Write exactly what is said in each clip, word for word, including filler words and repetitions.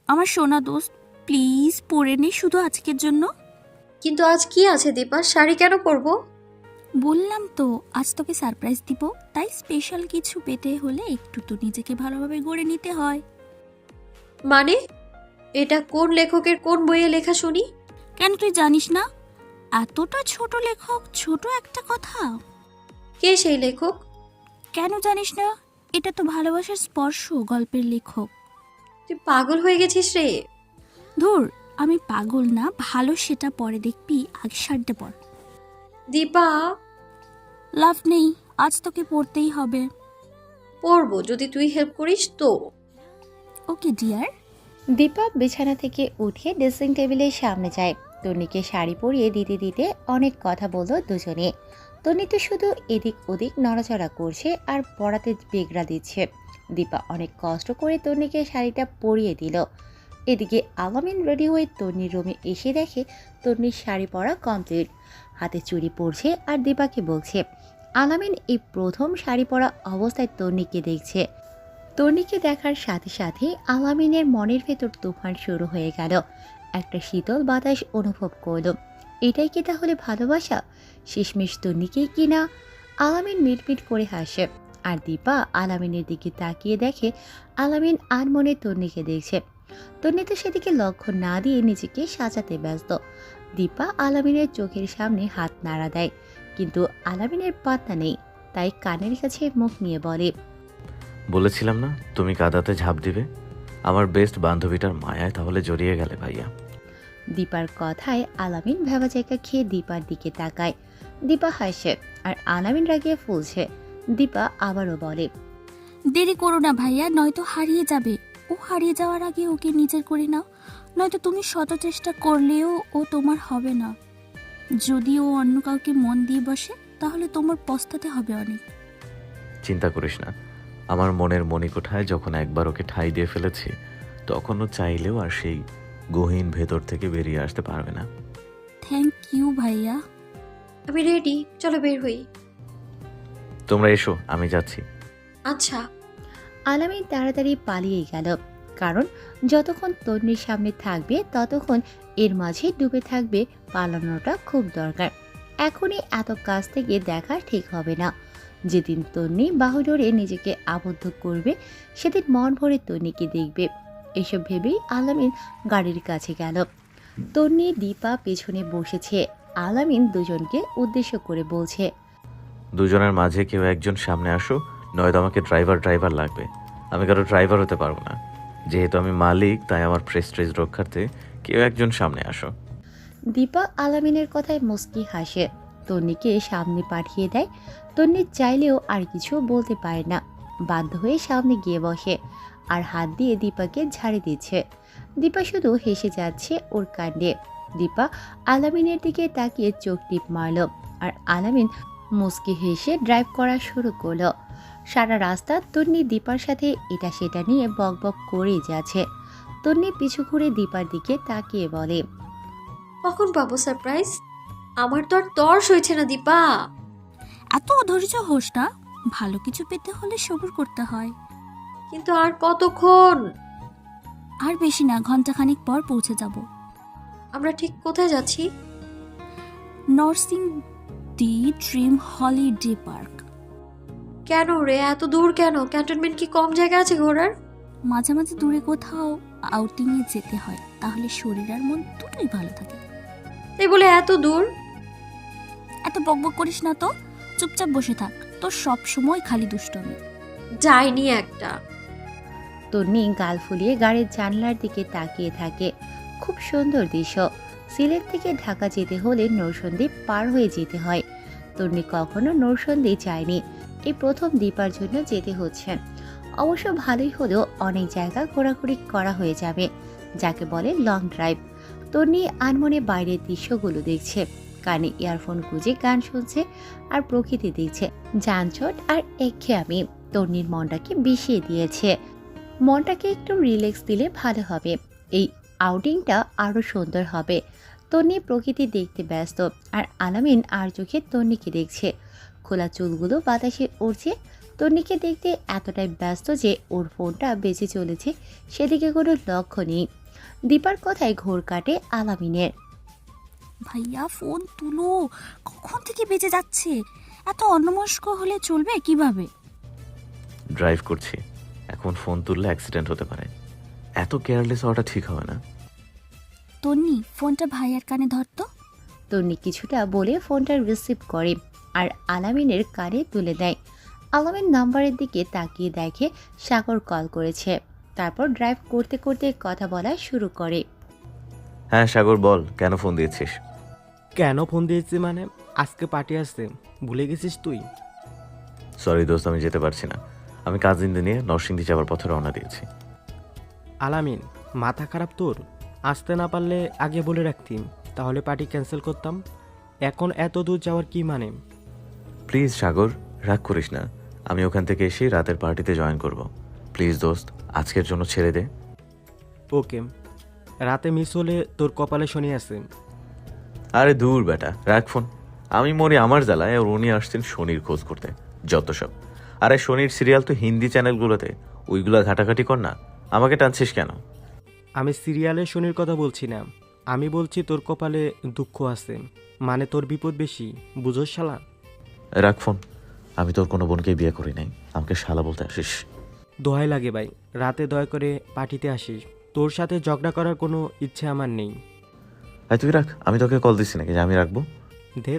আমার সোনা দোস্ত, প্লিজ পরে নে শুধু আজকের জন্য। কিন্তু আজ কি আছে দীপা, শাড়ি কেন পরবো? বললাম তো আজ তোকে সারপ্রাইজ দিব, তাই স্পেশাল কিছু পেতে হলে একটু তো নিজেকে ভালোভাবে গড়ে নিতে হয়। মানে এটা কোন লেখকের কোন বইয়ে লেখা শুনি? কেন তুই জানিস না? এতটা ছোট লেখক, ছোট একটা কথা। কে সেই লেখক? কেন জানিস না? এটা তো ভালোবাসার স্পর্শ গল্পের লেখক। তুই পাগল হয়ে গেছিস রে। ধুর, আমি পাগল না, ভালো সেটা পরে দেখবি, আগে শাড়িটা পর। দীপা, লাভ নেই, আজ তোকে পড়তেই হবে। পরবো যদি তুই হেল্প করিস তো। Okay dear. দীপা বিছানা থেকে উঠে ড্রেসিং টেবিলের সামনে যায়। তন্নিকে শাড়ি পরিয়ে দিতে দিতে অনেক কথা বলল দুজনে। তন্নি তো শুধু এদিক ওদিক নড়াচড়া করছে আর পড়াতে বেগড়া দিচ্ছে। দীপা অনেক কষ্ট করে তন্নিকে শাড়িটা পরিয়ে দিল। এদিকে আলামিন রেডি হয়ে তন্নির রুমে এসে দেখে তন্নির শাড়ি পরা কমপ্লিট, হাতে চুড়ি পরছে আর দীপাকে বলছে। আলামিন এই প্রথম শাড়ি পরা অবস্থায় তন্নিকে দেখছে। তন্নিকে দেখার সাথে সাথে আলামিনের মনের ভেতর তুফান শুরু হয়ে গেল। একটা শীতল বাতাস অনুভব করল। এটাই কি তাহলে ভালোবাসা? শেষমেশ তন্নিকেই কি না? আলামিন মিটমিট করে হাসে আর দীপা আলামিনের দিকে তাকিয়ে দেখে আলামিন আর মনে তন্নিকে দেখছে। তন্নি তো সেদিকে লক্ষ্য না দিয়ে নিজেকে সাজাতে ব্যস্ত। দীপা আলামিনের চোখের সামনে হাত নাড়া দেয়, কিন্তু আলামিনের পাত্তা নেই। তাই কানের কাছে মুখ নিয়ে বলে, বলেছিলাম না তুমি কাদাতে ঝাঁপ দিবে। আমার বেস্ট বান্ধবীটার মায়ায় তাহলে জড়িয়ে গেলে ভাইয়া। দীপার কথায় আলামিন ভেবা জায়গা খেয়ে দীপার দিকে তাকায়। দীপা হাসে আর আলামিন রাগিয়ে ফুলছে। দীপা আবারও বলে, দেরি করো না ভাইয়া, নয়তো হারিয়ে যাবে। ও হারিয়ে যাওয়ার আগে ওকে নিজের করে নাও, নয়তো তুমি শত চেষ্টা করলেও ও তোমার হবে না। যদি ও অন্য কাউকে মন দিয়ে বসে তাহলে তোমার পস্তাতে হবে অনেক। চিন্তা করিস না, আমার মনের মণিকোঠায় যখন একবার ওকে ঠাঁই দিয়ে ফেলেছি, তখনও চাইলেও আর সেই গহীন ভেতর থেকে বেরিয়ে আসতে পারবে না। থ্যাংক ইউ ভাইয়া। আমি রেডি, চলো বের হই। তোমরা এসো, আমি যাচ্ছি। আচ্ছা। আলামিন তাড়াতাড়ি পালিয়ে গেল। কারণ যতক্ষণ তন্নির সামনে থাকবে ততক্ষণ এর মাঝে ডুবে থাকবে। পালানোটা খুব দরকার। এখনই এত কাছ থেকে দেখা ঠিক হবে না। যেদিন তন্নি বাহু ধরে নিজেকে আবদ্ধ করবে সেদিন মন ভরে তন্নিকে দেখবে। এসব ভেবেই আলামিন গাড়ির কাছে গেল। তন্নি দীপা পেছনে বসেছে। আলামিন দুজনকে উদ্দেশ্য করে বলছে, দুজনের মাঝে কেউ একজন সামনে আসো, নয়তো আমাকে ড্রাইভার ড্রাইভার লাগবে। আমি কারো ড্রাইভার হতে পারবো না। যেহেতু আমি মালিক, তাই আমার প্রেস্টিজ রক্ষার্থে কেউ একজন সামনে আসো। দীপা আলামিনের কথায় মুস্কি হাসে। তন্নিকে সামনে পাঠিয়ে দেয়। তন্নি চাইলেও আর কিছু বলতে পারে না, বাধ্য হয়ে সামনে গিয়ে বসে আর হাত দিয়ে দীপাকে ঝাড়ি দিচ্ছে। দীপা শুধু হেসে যাচ্ছে ওর কাণ্ডে। দীপা আলামিনের দিকে তাকিয়ে চোখ টিপ মারল আর আলামিন মুস্কি হেসে ড্রাইভ করা শুরু করলো। সারা রাস্তা তন্নি দীপার সাথে এটা সেটা নিয়ে বকবক করেই যাচ্ছে। তন্নি পিছু ঘুরে দীপার দিকে তাকিয়ে বলে, কখন পাবো সারপ্রাইজ? আমার তো আর তর সইছে না দীপা। এত অধৈর্য হোস না, ভালো কিছু পেতে হলে সবুর করতে হয়। কিন্তু আর কতক্ষণ? আর বেশি না, ঘন্টাখানিক পর পৌঁছে যাব। আমরা ঠিক কোথায় যাচ্ছি? নরসিং দি ড্রিম হলিডে পার্ক। কেন রে, এত দূর কেন? ক্যান্টনমেন্ট কি কম জায়গা আছে ঘোরার? মাঝে মাঝে দূরে কোথাও আউটিংয়ে যেতে হয়, তাহলে শরীর আর মন দুটোই ভালো থাকে। তাই বলে এত দূর? এত বকবক করিস না তো, চুপচাপ বসে থাক, তোর সব সময় খালি দুষ্টমি। যাইনি একটা। তন্নি গাল ফুলিয়ে গাড়ির জানলার দিকে তাকিয়ে থাকে। খুব সুন্দর দৃশ্য। সিলেট থেকে ঢাকা যেতে হলে নরসন্দী পার হয়ে যেতে হয়। তন্নি কখনো নরসন্দী যায়নি, এই প্রথম দীপার জন্য যেতে হচ্ছে। অবশ্য ভালোই হলেও অনেক জায়গা ঘোরাঘুরি করা হয়ে যাবে, যাকে বলে লং ড্রাইভ। তন্নি আনমনে বাইরের দৃশ্যগুলো দেখছে, কানে ইয়ারফোন গুঁজে গান শুনছে আর প্রকৃতি দেখছে। যানজট আর একঘেয়েমি তন্নির মনটাকে বিষিয়ে দিয়েছে। মনটাকে একটু রিল্যাক্স দিলে ভালো হবে, এই আউটিংটা আরও সুন্দর হবে। তন্নি প্রকৃতি দেখতে ব্যস্ত আর আলামিন আর চোখে তন্নিকে দেখছে। খোলা চুলগুলো বাতাসে উড়ছে, তন্নিকে দেখতে এতটাই ব্যস্ত যে ওর ফোনটা বেজে চলেছে, সেদিকে কোনো লক্ষ্য নেই। দীপার কথায় ঘোর কাটে আলামিনের। ভাইয়া ফোন তুলো, কখন থেকে বেজে যাচ্ছে? এত অন্যমস্ক হলে চলবে কিভাবে? ড্রাইভ করছি, এখন ফোন তুললে অ্যাক্সিডেন্ট হতে পারে। এত কেয়ারলেস হওয়াটা ঠিক হবে না। তন্নি, ফোনটা ভাইয়ার কানে ধরতো। তন্নি কিছুটা বলে ফোনটা রিসিভ করে আর আলামিনের কানে তুলে দেয়। আলামিন নাম্বারের দিকে তাকিয়ে দেখে সাগর কল করেছে। তারপর ড্রাইভ করতে করতে কথা বলা শুরু করে। হ্যাঁ সাগর, বল কেন ফোন দিয়েছিস? কেন ফোন দিয়েছি মানে, আজকে পার্টি আসছে, ভুলে গেছিস তুই? সরি দোস্ত, আমি যেতে পারছি না। আমি কাজিনদের নিয়ে নরসিংদী যাওয়ার পথে রওনা দিয়েছি। আলামিন, মাথা খারাপ তোর? আসতে না পারলে আগে বলে রাখতিম, তাহলে পার্টি ক্যান্সেল করতাম। এখন এত দূর যাওয়ার কি মানে? প্লিজ সাগর, রাগ করিস না। আমি ওখান থেকে এসে রাতের পার্টিতে জয়েন করব। প্লিজ দোস্ত, আজকের জন্য ছেড়ে দে। ওকে, রাতে মিস হলে তোর কপালে শনি আছে। আরে দূর বেটা, রাখ ফোন। আমি মরি আমার জ্বালায়, আর উনি আসছেন শনির খোঁজ করতে। যত সব। আরে শনির সিরিয়াল তো হিন্দি চ্যানেলগুলোতে, ওইগুলা ঘাটাঘাটি কর না। আমাকে টানছিস কেন? আমি সিরিয়ালে শনির কথা বলছি না, আমি বলছি তোর কপালে দুঃখ আছে, মানে তোর বিপদ বেশি, বুঝোস শালা? রাখ ফোন। আমি তোর কোনো বোনকে বিয়ে করি নাই, আমাকে শালা বলতে আসিস? দোহাই লাগে ভাই, রাতে দয়া করে পার্টিতে আসিস। তোর সাথে ঝগড়া করার কোনো ইচ্ছে আমার নেই। আয় তুই রাখ, আমি তোকে কল দিচ্ছি নাকি যে আমি রাখবো? ধেত।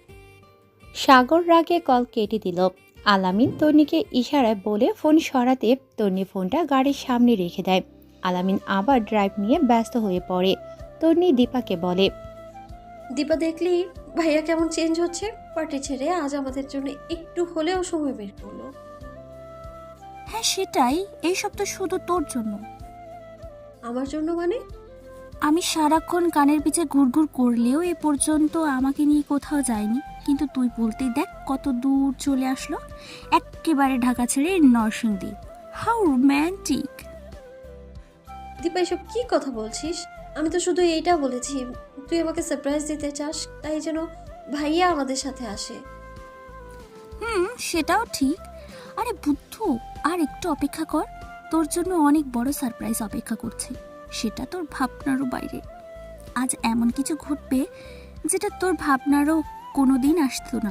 সাগর রাগে কল কেটে দিল। আলামিন তন্নিকে ইশারায় বলে ফোন সরাতে তন্নি ফোনটা গাড়ির সামনে রেখে দেয়। আলামিন আবার ড্রাইভ নিয়ে ব্যস্ত হয়ে পড়ে। তন্নি দীপাকে বলে, দীপা দেখলি ভাইয়া কেমন চেঞ্জ হচ্ছে? পার্টি ছেড়ে আজ আমাদের জন্য একটু হলেও সময় বের করলো। হ্যাঁ সেটাই, এইসব তো শুধু তোর জন্য। আমার জন্য মানে? আমি সারাক্ষণ কানের পিছে ঘুরঘুর করলেও এ পর্যন্ত আমাকে নিয়ে কোথাও যায়নি, কিন্তু তুই বলতেই দেখ কত দূর চলে আসলো, একেবারে ঢাকা ছেড়ে নরসিংদী। How romantic. দীপা এসব কি কথা বলছিস? আমি তো শুধু এইটা বলেছি তুই আমাকে সারপ্রাইজ দিতে চাস, তাই যেন ভাইয়া আমাদের সাথে আসে। হুম, সেটাও ঠিক। আরে বুদ্ধু, আর একটু অপেক্ষা কর, তোর জন্য অনেক বড় সারপ্রাইজ অপেক্ষা করছে, সেটা তোর ভাবনারও বাইরে। আজ এমন কিছু ঘটবে যেটা তোর ভাবনারও কোনোদিন আসতো না।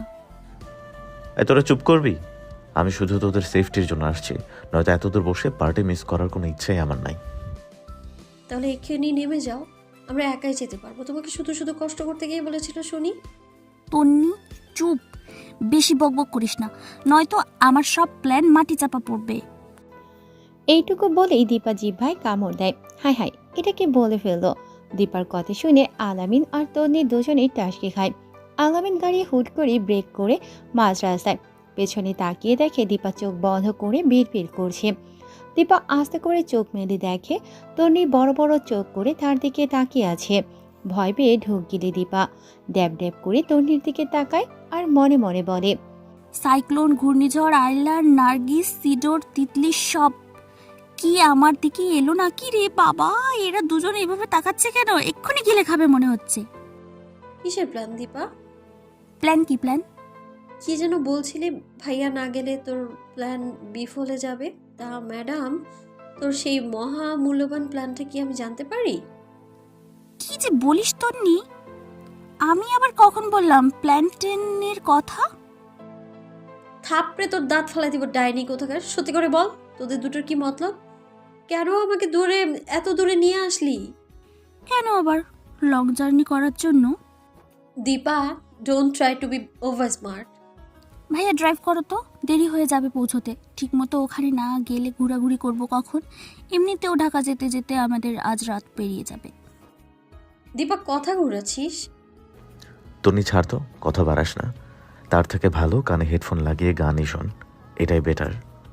এ তোরা চুপ করবি? আমি শুধু তোদের সেফটির জন্য আসছি, নয়তো এত দূর বসে পার্টি মিস করার কোনো ইচ্ছাই আমার নাই। তাহলে এক্ষুনি নেমে যাও, আমরা একাই যেতে পারবো। তোমাকে শুধু শুধু কষ্ট করতে গিয়ে বলেছিল শুনি। তন্নি চুপ, বেশি বকবক করিস না, নয়তো আমার সব প্ল্যান মাটি চাপা পড়বে। এইটুকু বলেই দীপা জিহ্বায় কামড় দেয়। হায় হায়, এটাকে বলে ফেললো। দীপার কথা শুনে আলামিন আর তন্নি দুজনেই টাসকে খায়। আলামিন গাড়ি হুট করে ব্রেক করে মাঝ রাস্তায়। পেছনে তাকিয়ে দেখে দীপা চোখ বন্ধ করে বিড়বিড় করছে। দীপা আস্তে করে চোখ মেলে দেখে তন্নি বড় বড় চোখ করে তার দিকে তাকিয়ে আছে। ভয় পেয়ে ঢোক গিলে দীপা ড্যাব ড্যাব করে তন্নির দিকে তাকায় আর মনে মনে বলে, সাইক্লোন, ঘূর্ণিঝড়, আইলার, নার্গিস, সিডোর, তিতলি সব কি আমার দিকে এলো নাকি রে বাবা? এরা দুজন এভাবে তাকাচ্ছে কেন? এক্ষুনি গিলে খাবে মনে হচ্ছে। কিসের প্ল্যান দীপা? প্ল্যান কি প্ল্যান? কি যেন বলছিলি, ভাইয়া না গেলে তোর প্ল্যান বিফলে যাবে। তা ম্যাডাম, তোর সেই মহা মূল্যবান প্ল্যানটা কি আমি জানতে পারি? কি যে বলিস তন্নি, আমি আবার কখন বললাম প্ল্যান টেনের কথা? থাপড়ে তোর দাঁত ফালাই দিব ডাইনি কোথাকার। সত্যি করে বল, তোদের দুটোর কি মতলব? কেন আমাকে দূরে, এত দূরে নিয়ে আসলি? কেন আবার? লং জার্নি করার জন্য। Dipa, don't try to be over smart. ভাইয়া ড্রাইভ করো তো, দেরি হয়ে যাবে পৌঁছতে। ঠিকমতো ওখানে না গেলে ঘোরাঘুরি করব কখন? এমনিতেও ঢাকা যেতে যেতে আমাদের আজ রাত পেরিয়ে যাবে। দীপা, কথা ঘুরাচ্ছিস? তন্নি ছাড় তো, কথা বাড়াস না। তার থেকে ভালো কানে হেডফোন লাগিয়ে গানই শোন, এটাই বেটার।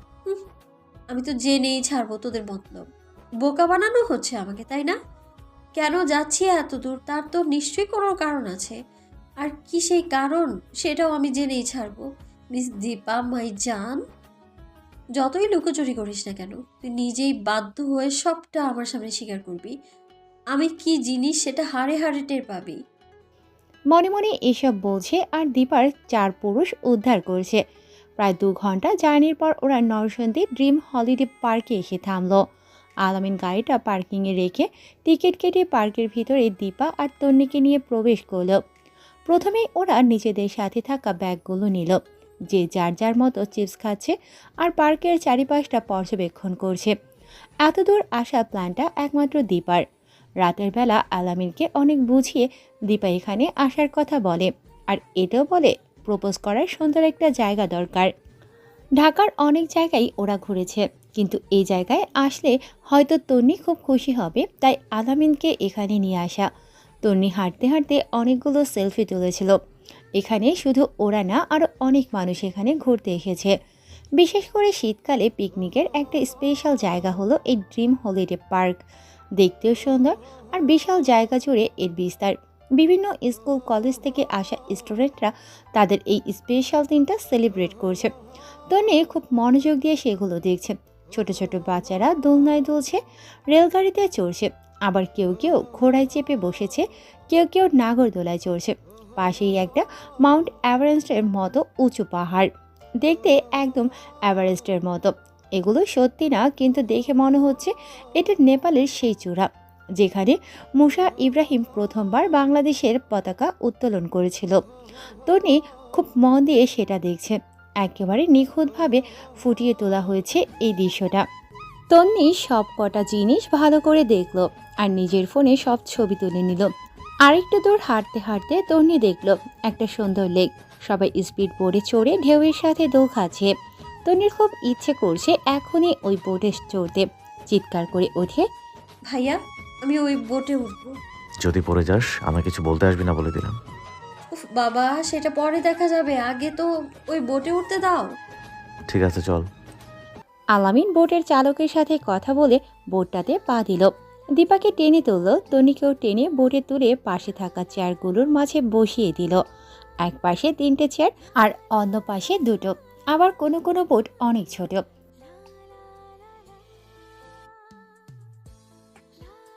আমি তো জেনেই ছাড়বো তোদের মতলব। বোকা বানানো হচ্ছে আমাকে, তাই না? কেন যাচ্ছি এত দূর, তার তো নিশ্চয়ই কোনো কারণ আছে। আর কি সেই কারণ, সেটাও আমি জেনেই ছাড়বো। মিস দীপা মাই জান, যতই লুকোচুরি করিস না কেন, তুই নিজেই বাধ্য হয়ে সবটা আমার সামনে স্বীকার করবি। আমি কি জিনিস সেটা হাড়ে হাড়ে টের পাবি। মনে মনে এসব বলছে আর দীপার চার পুরুষ উদ্ধার করছে। প্রায় দু ঘন্টা জার্নির পর ওরা নরসন্দী ড্রিম হলিডে পার্কে এসে থামলো। আলামিন গাড়িটা পার্কিংয়ে রেখে টিকিট কেটে পার্কের ভিতরে দীপা আর তন্নিকে নিয়ে প্রবেশ করলো। প্রথমেই ওরা নিজেদের সাথে থাকা ব্যাগগুলো নিল, যে যার যার মতো চিপস খাচ্ছে আর পার্কের চারিপাশটা পর্যবেক্ষণ করছে। এতদূর আসা প্ল্যানটা একমাত্র দীপার। রাতের বেলা আলামিনকে অনেক বুঝিয়ে দীপা এখানে আসার কথা বলে, আর এটাও বলে প্রপোজ করার সুন্দর একটা জায়গা দরকার। ঢাকার অনেক জায়গায় ওরা ঘুরেছে, কিন্তু এই জায়গায় আসলে হয়তো তন্নি খুব খুশি হবে, তাই আলামিনকে এখানে নিয়ে আসা। তন্নি হাঁটতে হাঁটতে অনেকগুলো সেলফি তুলেছিল। এখানে শুধু ওরা না, আরও অনেক মানুষ এখানে ঘুরতে এসেছে। বিশেষ করে শীতকালে পিকনিকের একটা স্পেশাল জায়গা হলো এই ড্রিম হলিডে পার্ক। দেখতেও সুন্দর, আর বিশাল জায়গা জুড়ে এর বিস্তার। বিভিন্ন স্কুল কলেজ থেকে আসা স্টুডেন্টরা তাদের এই স্পেশাল দিনটা সেলিব্রেট করছে। তন্নি খুব মনোযোগ দিয়ে সেগুলো দেখছে। ছোট ছোট বাচ্চারা দোলনায় দুলছে, রেলগাড়িতে চড়ছে, আবার কেউ কেউ ঘোড়ায় চেপে বসেছে, কেউ কেউ নাগরদোলায় চড়ছে। পাশেই একটা মাউন্ট এভারেস্টের মতো উঁচু পাহাড়, দেখতে একদম এভারেস্টের মতো। এগুলো সত্যি না, কিন্তু দেখে মনে হচ্ছে এটা নেপালের সেই চূড়া যেখানে মুসা ইব্রাহিম প্রথমবার বাংলাদেশের পতাকা উত্তোলন করেছিল। তনি খুব মন দিয়ে সেটা দেখছে। একেবারে নিখুঁতভাবে ফুটিয়ে তোলা হয়েছে এই দৃশ্যটা। তন্নি সব কটা জিনিস ভালো করে দেখলো আর নিজের ফোনে সব ছবি তুলে নিল। আরেকটু দূর হাঁটতে হাঁটতে তন্নি দেখলো একটা সুন্দর লেক, সবাই স্পিড বোটে চড়ে ঢেউয়ের সাথে দোল খাচ্ছে। তন্নির খুব ইচ্ছে করছে এখনই ওই বোটে চড়তে। চিৎকার করে ওঠে, ভাইয়া আমি ওই বোটে উঠবো। যদি পড়ে যাস আমায় কিছু বলতে আসবি না বলে দিলাম। উফ বাবা, সেটা পরে দেখা যাবে, আগে তো ওই বোটে উঠতে দাও। ঠিক আছে চল। আলামিন বোটের চালকের সাথে কথা বলে বোটটাতে পা দিল। দীপাকে টেনে তুলল, তনিকেও টেনে বোটে তুলে পাশে থাকা চেয়ারগুলোর মাঝে বসিয়ে দিল। এক পাশে তিনটে চেয়ার আর অন্য পাশে দুটো। আবার কোনো কোনো বোট অনেক ছোট,